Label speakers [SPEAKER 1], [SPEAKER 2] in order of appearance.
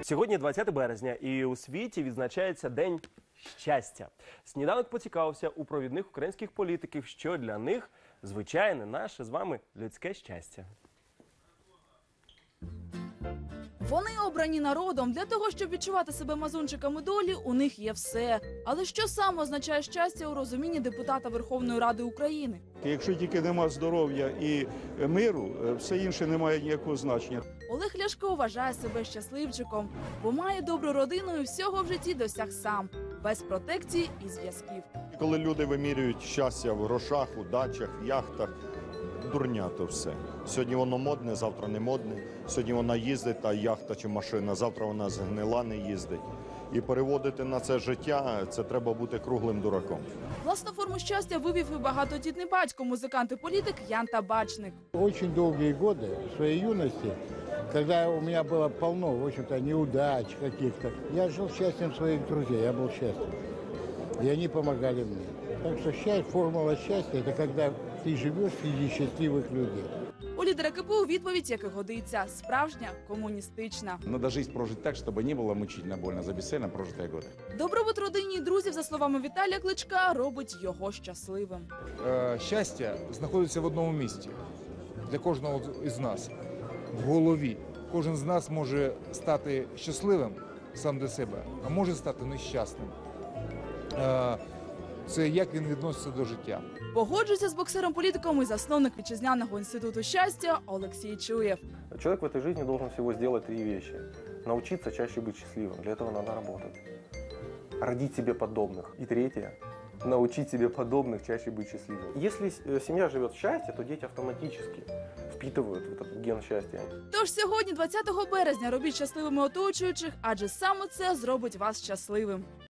[SPEAKER 1] Сьогодні 20 березня і у світі відзначається День щастя. Сніданок поцікавився у провідних українських політиків, що для них звичайне наше з вами людське щастя.
[SPEAKER 2] Вони обрані народом. Для того, щоб відчувати себе мазунчиками долі, у них є все. Але що саме означає щастя у розумінні депутата Верховної Ради України?
[SPEAKER 3] Якщо тільки нема здоров'я і миру, все інше не має ніякого значення.
[SPEAKER 2] Олег Ляшко вважає себе щасливчиком, бо має добру родину і всього в житті досяг сам, без протекції і зв'язків.
[SPEAKER 4] Коли люди вимірюють щастя в грошах, у дачах, в яхтах, дурня то все. Сьогодні воно модне, завтра не модне. Сьогодні вона їздить, та яхта чи машина, завтра вона згнила, не їздить. І переводити на це життя, це треба бути круглим дураком.
[SPEAKER 2] Власну форму щастя вивів і багатодітний батько, музикант і політик Ян Табачник.
[SPEAKER 5] Очень долгие годы своей юности, когда у меня было полно, в общем-то, неудач каких-то, я жил счастьем своих друзей, я был счастлив. И они помогали мне. Так что формула счастья – это когда ты живешь среди счастливых людей.
[SPEAKER 2] У лідера КПУ відповідь, як і годиться, справжня комуністична.
[SPEAKER 6] Надо жизнь прожить так, чтобы не было мучительно больно за бесцельно прожитые годы.
[SPEAKER 2] Добробут родині і друзів, за словами Віталія Кличка, робить його щасливим.
[SPEAKER 7] Щастя знаходиться в одному місці для кожного із нас – в голові. Кожен з нас може стати щасливим сам для себе, а може стати нещасним. Це як він відноситься до життя.
[SPEAKER 2] Погоджується з боксером-політиком і засновник вітчизняного інституту щастя Олексій Чуєв.
[SPEAKER 8] Человек в этой жизни должен всего сделать 3 вещи. Научиться чаще быть счастливым. Для этого надо работать. Родить себе подобных. И третье. Научить себе подобных чаще быть счастливым. Если семья живет в счастье, то дети автоматически впитывают в этот ген счастья.
[SPEAKER 2] Тож сьогодні, 20 березня, робіть щасливими оточуючих, адже саме це зробить вас щасливим.